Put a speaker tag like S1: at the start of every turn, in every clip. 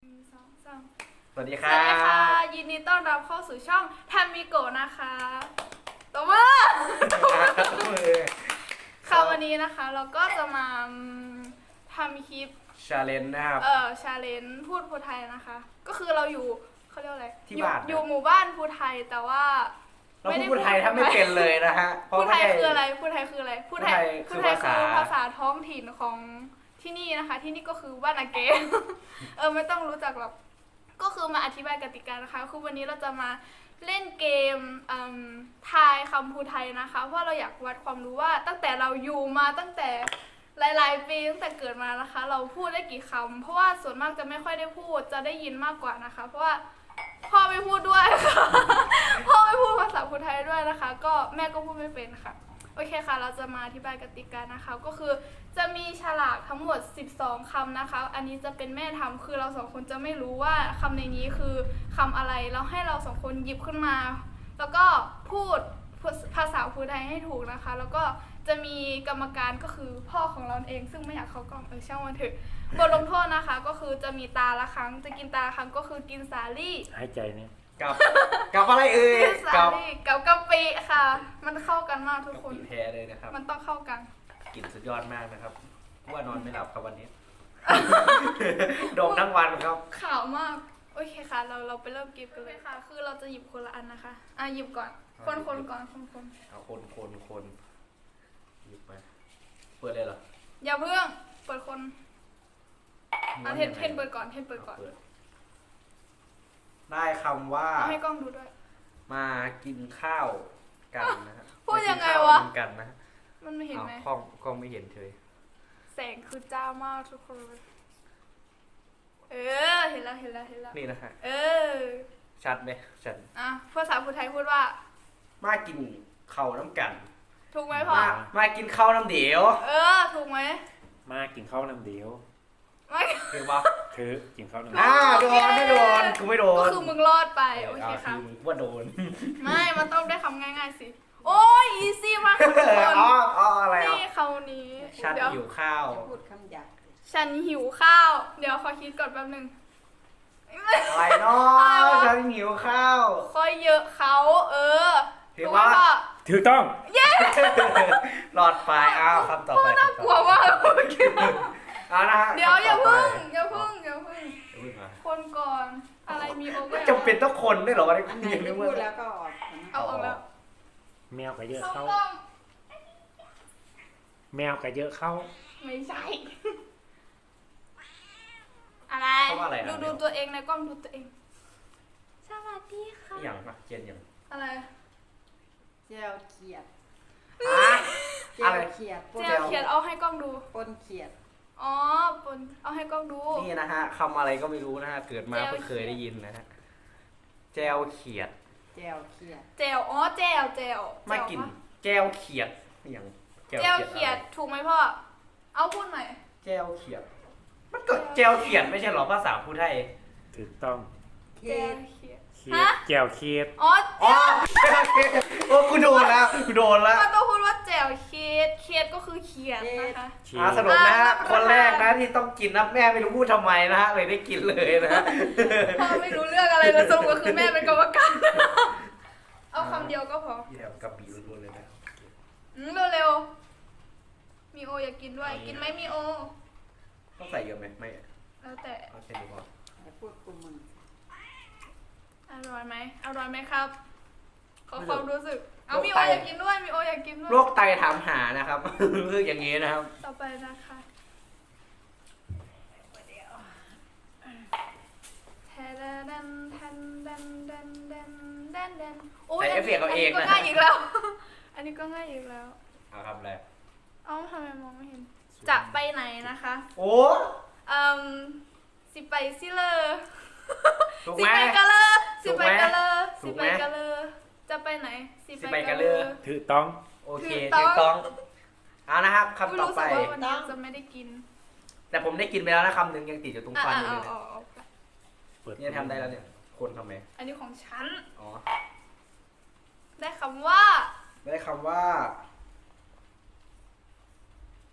S1: 1 2 3
S2: สวัสดีค
S1: ส
S2: รั
S1: วัสดีค่ะ
S2: บ
S1: ยินดีต้อนรับเข้าสู่ช่องทามิโกะนะคะตบมือค่ะวันนี้นะคะเราก็จะมาทำคลิป
S2: ชาเลนจ์นะครับ
S1: ชาเลนจ์พูดภูไทยนะคะ ก็คือเราอยู่เขาเรียกอะไร
S2: ที่บ้าน
S1: อยู่หมู่บ้านภูไทยแต่ว่า
S2: เราพูดไทยถ้าไม่เป็นเลยนะฮะ
S1: ภูไทยคืออะไรภูไทยคืออะไรภูไทย
S2: คือ
S1: ภาษาท้องถิ่นของที่นี่นะคะ ที่นี่ก็คือบ้านอาเก ไม่ต้องรู้จักหรอกก็คือมาอธิบายกติกานะคะคือวันนี้เราจะมาเล่นเกมทายคำภูไทยนะคะเพราะเราอยากวัดความรู้ว่าตั้งแต่เราอยู่มาตั้งแต่หลายๆปีตั้งแต่เกิดมานะคะ เราพูดได้กี่คำเพราะว่าส่วนมากจะไม่ค่อยได้พูดจะได้ยินมากกว่านะคะ เพราะว่าพ่อไม่พูดด้วยค่ะ พ่อไม่พูดภาษาภูไทยด้วยนะคะ ก็แม่ก็พูดไม่เป็นค่ะโอเคค่ะเราจะมาอธิบายกติกานะคะก็คือจะมีฉลากทั้งหมด12คำนะคะอันนี้จะเป็นแม่ทำคือเราสองคนจะไม่รู้ว่าคำในนี้คือคำอะไรแล้วให้เราสองคนหยิบขึ้นมา แล้วก็พูดภาษาภูไทยให้ถูกนะคะ แล้วก็จะมีกรรมการก็คือพ่อของเราเองซึ่งไม่อยากเข้ากล้องช่างมันเถอะบทลงโทษนะคะ ก็คือจะมีตาละครั้งจะกินตาละครั้งก็คือกินสาลี่
S3: หายใจเนี่ย
S2: กับอะไรเอ่ย
S1: กินสาลี่กับกะปิค่ะ มันเข้ากันมากทุกคน
S2: แท้เลยนะครับ
S1: มันต้องเข้ากัน
S2: กลิ่นสุดยอดมากนะครับว่านอนไม่หลับครับวันนี้ โดมทั้งวันครับ
S1: ขาวมากโอเคค่ะเราไปเริ่มเก็บกันเลยค่ะ คือเราจะหยิบคนละอันนะคะหยิบก่อนคนก่อนคน
S2: เอาคนหยิบไปเปิดเลยเหรอ
S1: อย่าเพิ่งเปิดคนเทนเปิดก่อนเทนเปิดก่อน
S2: ได้คำว่า
S1: เอาให้กล้องดูด้วย
S2: มากินข้าวกันนะฮะ
S1: พูดยังไงวะ
S2: มากินข้ากันนะฮะ
S1: มันไม่เห็นไหม
S2: กล้องไม่เห็นเฉย
S1: แสงคือจ้ามากทุกคนเห็นแล้ว
S2: นี่นะฮะ ชัดไหมชัด
S1: ภาษาภูไทยพูดว่า
S2: มากินข้าวน้ำกัน
S1: ถูกไหมพ่อ
S2: มากินข้าวน้ำเดียว
S1: ถูกไหม
S3: มากินข้าวน้ำเดียว
S1: ไม่
S2: คือปะ
S3: เธอกินข้าวน้ำเดียว
S2: โดนไม่โดนกูไม่โดน
S1: ก็คือมึงรอดไปโอเคค่ะ
S2: มึงว่าโดน
S1: ไม่มันต้องได้คำง่ายๆสิโอ้ยอีซี่มากค่ะทุกคน
S2: อะไรอ่ะ
S1: นี่คำนี้
S2: ชัด
S1: เดี๋ยว
S2: หิวข้าว
S4: พูดคำหยาบ
S1: ฉันหิวข้าว เดี๋ยวขอคิดก่อนแป๊บนึง
S2: อะไรเนาะฉันหิวข้าว
S1: ค่อยเยอะเขา
S2: ถือ
S1: ถูกไหม
S2: ว่า
S1: พ่อ
S3: ถูกต้อง
S2: หลอดไฟคำต่อไป
S1: น่ากลัวมากเมื่อกี้
S2: นะฮะ
S1: เดี๋ยวอย่า
S2: คำต่
S1: พึ่ง
S2: ไป
S1: คนก่อนอะไรมีโอเวอร์
S2: จำเป็นต้องคนด้วยเหรอวะ
S4: อันไหนที่พูดแล้วก็ออก
S1: เอาออกแล้ว
S3: แมวก็เยอะ
S1: ส้ม
S3: เข้า
S1: ต้ม
S3: แมวก็เยอะเข้า
S1: ไม่ใช่ อะไร
S2: เขาว่าอะไรนะ
S1: ดูตัวเองในกล้องดูตัวเอง สวัสดีค่ะ
S2: อย่างปะเจนอย่าง
S1: อะไร
S4: เจลเขียด เจ
S2: อะไร
S4: ลเขียดปน
S1: เจลเขียนเอาให้กล้องดู
S4: ปนเขียด
S1: อ๋อปนเอาให้กล้องดู
S2: นี่นะฮะคำอะไรก็ไม่รู้นะฮะเกิดมา
S1: แจว
S2: เพิ่งเคยได้ยินนะฮะแจวเขียด
S4: เจลเขียด
S1: เจลเจล
S2: มากินแจวเขียดอย่าง
S1: เจลเขียดถูกไหมพ่อ เอาพูดหน่อย
S2: แจวเขียด มันก็แจวเขียดไม่ใช่เหรอภาษาพูดไทย
S3: ถูกต้อง
S4: เขี
S1: เจ
S4: ย
S1: ล
S4: ด
S1: เขียด
S3: เคียด
S1: ฮะ
S3: แจวเคียด
S1: อ๋อ
S2: อ๋อโอ้กูโดนแล้วกูโดนแล้ว
S1: มันต้องพูดว่าเจลเขียดเขียดก็คือเขียดนะคะ
S3: เคียด
S2: สรุปนะฮะคนแรกนะที่ต้องกินนะแม่ไม่รู้พูดทำไมนะฮะเลยได้กินเลยนะฮะ
S1: พ่อไม่รู้เรื่องอะไรเลยสรุปก็คือแม่เป็นกรรมการ เอาคำเดียวก็พอ
S2: ที่แถวกระบี่ล้วนๆเลยนะ
S1: เร็วๆ มีโออยากกินด้วย กินไหมมีโอ
S2: ต้องใส่เยอะไหมไม่
S1: แล้วแต่
S2: เอาแค่นี้พอ
S4: อย่าพูดกูมึง
S1: อร่อยไหมครับ ขอความรู้สึก เอามีโออยากกินด้วย มีโออยากกินด้วย
S2: โรคไตถามหานะครับ คืออย่างนี้นะครับ
S1: ต่อไปนะคะแทดันโอ้ย
S2: ใส่เอฟเฟกต์เอาเอง
S1: ก็
S2: นะ
S1: ง่ายอีกแล้ว อันนี้ก็ง่ายอีกแล้ว
S2: เอาครับเลย
S1: เอ้าทำไมมองไม่เห็น จะไปไหนนะคะ
S2: โอ้
S1: สิไปซิเลอ
S2: ถูก
S1: สิ
S2: ไหม
S1: ไปกะเลอ
S2: ถูกไหม
S1: สิไปกะเลอจะไปไหน
S2: สิไปกะเลอ
S3: ถูกต้อง
S2: โอเคถูกต้องเอานะครับคำต่อไป
S1: รู้สึกว่าวันนี้จะไม่ได้กิน
S2: แต่ผมได้กินไปแล้วนะคำหนึ่งยังติดอยู่ตรงฟันอยู่เลยนะ
S1: เอาไป
S3: เปิด
S2: เนี่ยทำได้แล้วเนี่ย คนทำไม
S1: อันนี้ของฉัน
S2: อ๋อ
S1: ได้คำว่า
S2: ได้คำว่า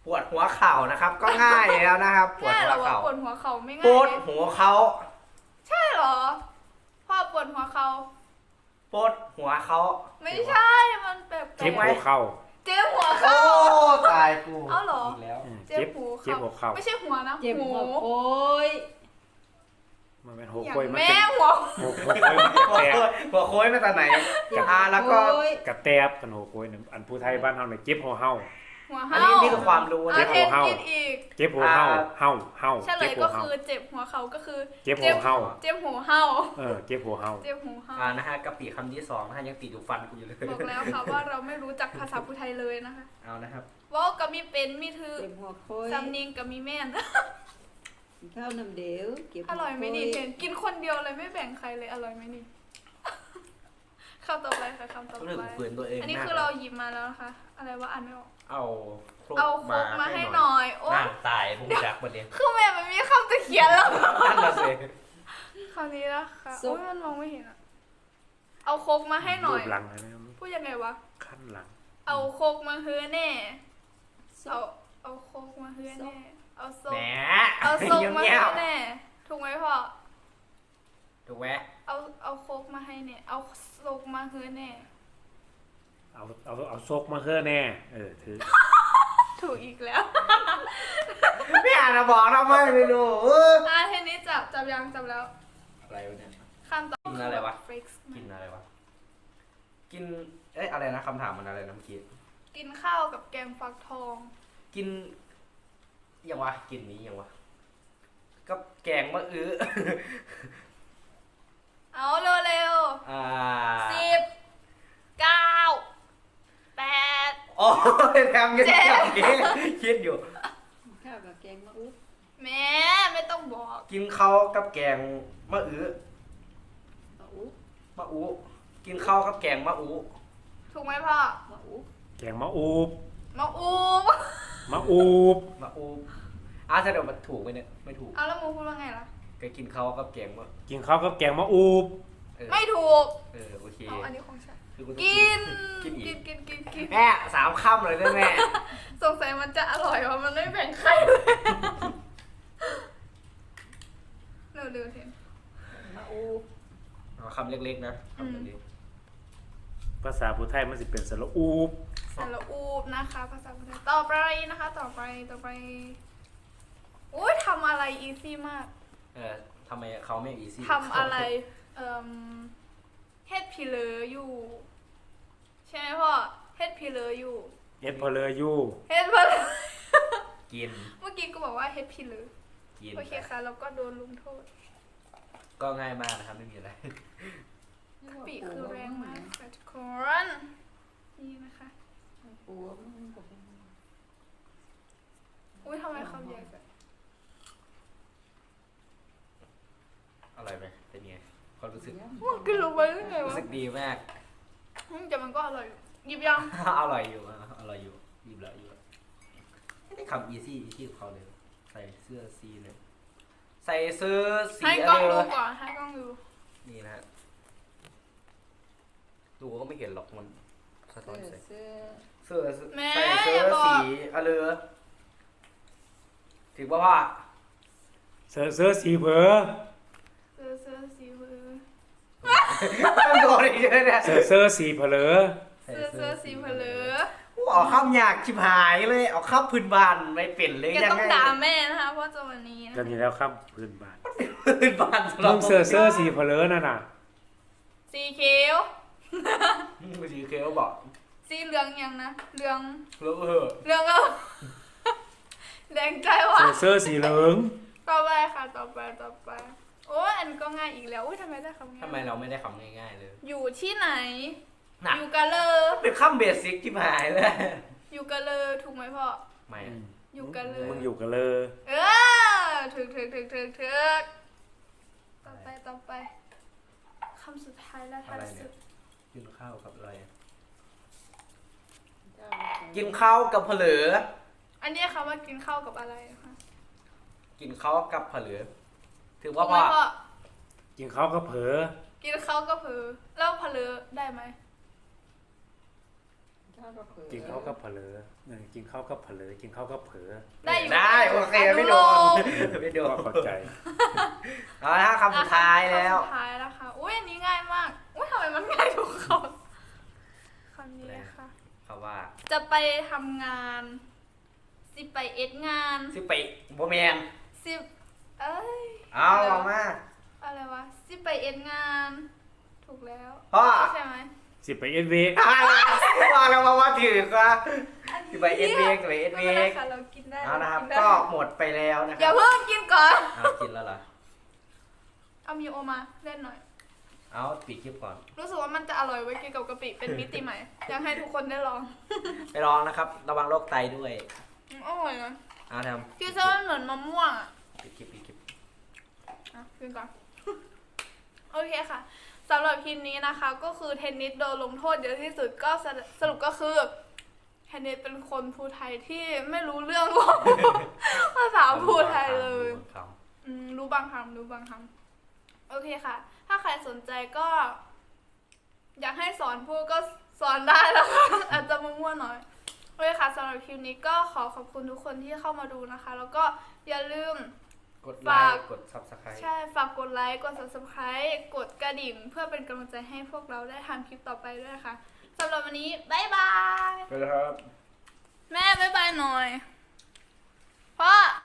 S2: ปวดหัวเข่านะครับ ก็ง่ายแล้วนะครับปวด
S1: ง่าย
S2: หั
S1: เหร
S2: ว
S1: อวะ
S2: เข่า
S1: ปวดหัวเข่าไม่
S2: ป
S1: ง่ายว
S2: ด
S1: เลย
S2: หัวเขา
S1: ใช่เหรอพ่อปวดหัวเข่า
S2: ปวดหัวเขา
S1: ไม่ใช่มันแปลกๆ
S3: เจ็บหัวเข่า
S1: เจ็บหัว
S2: โอ้
S1: เข่า
S2: ตายกู
S1: เอาเหรอ
S2: กแล้ว
S1: เจ็บหู
S3: เจ็บหัวเข่า
S1: ไม่ใช่หัวนะ
S4: เจ็บ
S1: หู
S4: หัวโค้ย
S3: มันเป็นหัว
S1: อย่าง
S3: โคยมัน
S1: แม่
S3: เป็น
S1: หัว
S3: หัวโคยมันกระ
S2: หัว
S3: แต
S2: โค้ยหัวโค้ยมาจากไหนแล้วก็
S4: โค้ย
S3: กระแตบกันหัวโคยเนี่ยอันผู้ไทยบ้านเฮาเนี่ยเจ็บหัวเฮา
S1: หัว
S2: อัน
S1: เห่า
S2: นี้นี่คือความรู้
S1: อ่ะ
S2: นะ
S1: เทนกินอีก
S3: เจ็บหัวเฮาเฮาเฮา
S1: เฉล
S3: เจ็บ
S1: ย
S3: หั
S1: ก็
S3: วเฮา
S1: คือเจ็บหัวเข่าก็คือ
S3: เจ็บหัวเฮา
S1: เจ็บหัวเห่า
S3: เจ็บหัวเฮา
S1: เจ็บหูเห่า
S2: นะฮะกะปิคำที่2นะฮะยังติดอยู่ฟันกูอยู่เลย
S1: บอกแล้วค่ะว่าเราไม่รู้จักภาษาพูไทยเลยนะคะ
S2: เอานะครับ
S1: เว่าก็มีเป็นมีถือ
S4: เจ็บหัวโค้ย
S1: สำเนียงก็มีแม่น
S4: กินข้าวน้ำเดียวเก็บ
S1: อร่อยไหมนี่เทนกินคนเดียวเลยไม่แบ่งใครเลยอร่อยไหมนี่ คำต่อไปค่ะคำต่อ
S2: เรื่อง
S1: ไป
S2: ฝืนตัวเอง
S1: อันนี้
S2: มาก
S1: คือเราหยิบมาแล้วนะคะ อะไรว่าอ่านไม่ออก
S2: เอาครก
S1: เอาโคกมาให้หน่อยโอ้
S2: น่าตายพุ่งจักประเด็น
S1: คือแม่มันมีคำจะเขียนแล้ว
S2: นั่นละสิ
S1: คำนี้นะคะโอ้ยมันมองไม่เห็นอะเอาโคกมาให้หน่อย
S3: รูปหลังนะ
S1: พูดยังไงวะ
S3: ขั้นหลัง
S1: เอาโคกมาเฮือแน่ เอาโคกมาเฮือแน่ เอาโซ
S2: แหม
S1: กเอาโซกมา
S2: เงี
S1: เฮื
S2: ย
S1: อบ แน่ ถูกไหมพ่อ
S2: ๆถูกไหม
S1: เอาโคกมาให้เนี่ย เอาโซกมาเฮือแน่
S3: เอาซกมาเฮือแน่ถือ
S1: ถูกอีกแล้ว
S2: ไม่อ่านนะบอกทำไมไม่รู้
S1: เทนนี้จับยังจับแล้ว
S2: อะไรวะเนี่ย
S1: ขั้นตอน
S2: กินอะไรวะ
S1: ฟริกซ์
S2: กินอะไรวะ กิน อะไรนะคำถามมันอะไรนะเมื่อกี้
S1: กินข้าวกับแกงฟักทอง
S2: กินยังวะ กินนี้ยังวะ ก็แกงมะอื้อ
S1: เอาเร็ว
S2: อ่า
S1: ๆ10 9 8
S2: โอ้ยทำยังไงคิดอยู่
S4: ข้าวกับแกงมะอุ๊บ
S1: แม่ไม่ต้องบอก
S2: กินข้าวกับแกงมะอื้อ
S4: มะอุ๊บ
S2: มะอู้กินข้าวกับแกงมะอู้
S1: ถูกไหมพ่อ
S4: มะอุ๊บ
S3: แกงมะอูบ
S1: มาอูม
S3: มะอูบ
S2: มะอู้ถ้าเดี๋ยวมันถูกไหมเนี่ย ไม่ถูก
S1: เอาแล้วมูพูดว่าไงล่ะ
S2: ก็กินข้าวกับแกงมะ
S3: กินข้าวกับแกงมะอูบ
S2: เออ
S1: ไม่ถูก
S2: โอเค
S1: เอาอันนี้ของฉัน
S2: คือต้อง
S1: กิน
S2: กินอี
S1: กิ
S2: ก
S1: นกิน
S2: แม่3ค่ำเลยได้แม่
S1: สงสัยมันจะอร่อยว่ามันไม่แบ่งใครเลยเร็วๆเทน
S4: มะอุ๊บ
S2: เอาคำเล็กๆนะคำเล็ก
S3: ภาษาผู้ไทยมันสิเป็นสระอูบ
S1: สระอูบนะคะภาษาไทยต่อไปนะคะ ต่อไปอุ้ยทำอะไรอีซี่มาก
S2: ทำไมเขาไม่อีซี่
S1: ทำอะไรเฮ็ดพิเลออยู่ ใช่ไหมพ่อเฮ็ดพิเลออยู่
S3: เอ็ดพอเลอยู
S1: เฮ็ดพิเลอ
S2: กิน
S1: เมื่อกี้ก็บอกว่าเฮ็ดพิเลอ
S2: กิน
S1: โอเคค่ะแล้วก็โดนลุมโทษ
S2: ก็ง่ายมากนะครับไม่มีอะไร
S1: ปีคือแรงมากค่ะทุกคน นี่นะคะ
S4: ปูมันก็เป็น
S1: อุ้ยทำไมคำใหญ่จัง
S2: อร่อยไหมเป็นไงความรู้สึก
S1: มันกินลงไปได้ไง
S2: รู้
S1: วะ
S2: สึกดีมาก
S1: แต่มันก็อร่อยอยู่หยิบยัง
S2: อร่อยอยู่อร่อยอยู่หยิบแล้วอยู่ไม่ได้คำอีซี่กับเขาเลย ใส่เสื้อสีเลย ใส่เสื้อสี
S1: ให้
S2: อะ
S1: กล้อง
S2: ไร
S1: ดู
S2: วะ
S1: ก่อนให้กล้องดู
S2: นี่นะฮะดูก็ไม่เห็นหรอกมันสะท้อนแสง
S4: เสื้อ
S2: เสื้อ
S1: แม่
S2: ใส่เสื้
S1: อย่า
S2: อ
S1: บอก
S2: สีอะไรถึงว่า
S3: เสื้อสีเผอ
S1: เสื้อสีมือ
S2: ต้องโดนอีกเยอะเนี่ย
S3: เสื้อสีเผลอ
S1: เสื้อสีเผลอ
S2: เอาข้ามยากชิบหายเลยเอาข้ามพื้นบ้านไม่เป็นเลย
S1: แก
S2: ยัง
S1: ต้อง
S2: ไง
S1: ด่าแม่นะคะเพราะจะวันนี้นะ
S3: กันอยู่แล้วครับพื้นบ้าน
S2: พื้นบ้านสำหรั
S3: มึ
S2: บ
S3: งเสื้อสีเผลอนั่นน่ะ
S1: สีเขียว
S2: มือถือเคลบอก
S1: สีเหลืองยังนะเหลือง
S2: แล้ว
S1: เหลืองเอาแดงใจว่ะ
S3: เสื้อสีเหลือง
S1: ต่อไปค่ะต่อไปโอ้ยอันนก็ง่ายอีกแล้วอุ้ยทำไมได้คำง่าย
S2: ทำไมเราไม่ได้คำง่ายๆเลย
S1: อยู่ที่ไหน
S2: น่ะ
S1: อยู่กันเลย
S2: เป็นข้ามเบสิกชิบหายเลย
S1: อยู่กันเลยถูกไหมพ่อ
S2: ไม่
S1: อยู่กันเลย
S3: มึงอยู่กันเลย
S1: เออถึกต่อไปคำสุดท้ายแล้วท้ายสุด
S2: กินข้าวกับอะไร
S4: เจ้า
S2: กินข้าวกับเผลือ
S1: อันนี้คำว่ากินข้าวกับอะไรนะคะ
S2: กินข้าวกับเผลือถือ
S1: ถู
S2: ว่าก
S1: ไหม
S2: พ่อ
S1: พ่อ
S3: กินข้าวก็เผลอ
S1: กินข้าวก็เผลอแล้วเผลอได้ไหม
S4: ข้าวก็เผือ
S3: กินข้าวก็เผลอกินข้าวก็เผลอกินข้าวก็เผลอ
S1: ได้อยู่
S2: ได้โอเคไม่โดนไม่โดน
S3: ก็เข้าใจ
S2: เอาละคำสุดท้ายแล้ว
S1: คำสุดท้ายแล้วค่ะอุ้ยอันนี้ง่ายมากอุ้ยทำไมมันง่ายทุกคำคำนี้ค่ะ
S2: คำว่า
S1: จะไปทำงานสิไปเอ็ดงาน
S2: สิไปโบแมน
S1: สิเอ้ย
S2: เอาออกมา
S1: อะไรวะสิไปเอ็ดงาน ถูกแล้ว
S2: พ่อ
S1: ใช่ไหม
S3: สิไปเอ็นเว
S2: ว่าแล้วว่าถือว่า
S1: อันนี้
S2: สิไปเอ็ดเวกสิไปเอ็ดเว
S1: ไม่เป็นไร
S2: ก
S1: ค่ะเรากินได้
S2: เอานะครับ
S1: กินได้
S2: ก็หมดไปแล้วนะค
S1: อย่า
S2: รับ
S1: เพิ่งกินก่อน
S2: เอากินแล้วเหรอ
S1: เอามีโอมาเล่นหน่อย
S2: เอาปิดคลิปก่อน
S1: รู้สึกว่ามันจะอร่อยไว้ยกินกับกะปิเป็นมิติใหม่ อยากให้ทุกคนได้ลอง
S2: ไปลองนะครับ ระวังโรคไตด้วย
S1: อร่อยนะ
S2: เอาท
S1: พี่เซอร์เหมือนมะม่วงอ่ะ
S2: ำปิดคลิป
S1: อ่ะกินก่อน โอเคค่ะสำหรับคลิปนี้นะคะ ก็คือเทนนิสโดนลงโทษเยอะที่สุดก็สรุปก็คือเทนนิสเป็นคนภูไทยที่ไม่รู้เรื่องของ ภาษาภูไทยเลย
S2: ค
S1: รู้บางคำรู้บางคำโอเคค่ะ ถ้าใครสนใจก็ อยากให้สอนพูดก็สอนได้แล้วค่ะ อาจจะมั่วๆหน่อยโอเคค่ะสำหรับคลิปนี้ก็ขอขอบคุณทุกคนที่เข้ามาดูนะคะ แล้วก็อย่าลืม
S2: ำกดไล
S1: ฝาก
S2: ค์กด subscribe
S1: ใช่ ฝากกดไลค์ กด subscribe กดกระดิ่ง เพื่อเป็นกำลังใจให้พวกเราได้ทำคลิปต่อไปด้วยค่ะสำหรับวันนี้ บ๊ายบาย
S2: ไปแล้วครับ
S1: แม่ บ๊ายบายหน่อย พ่อ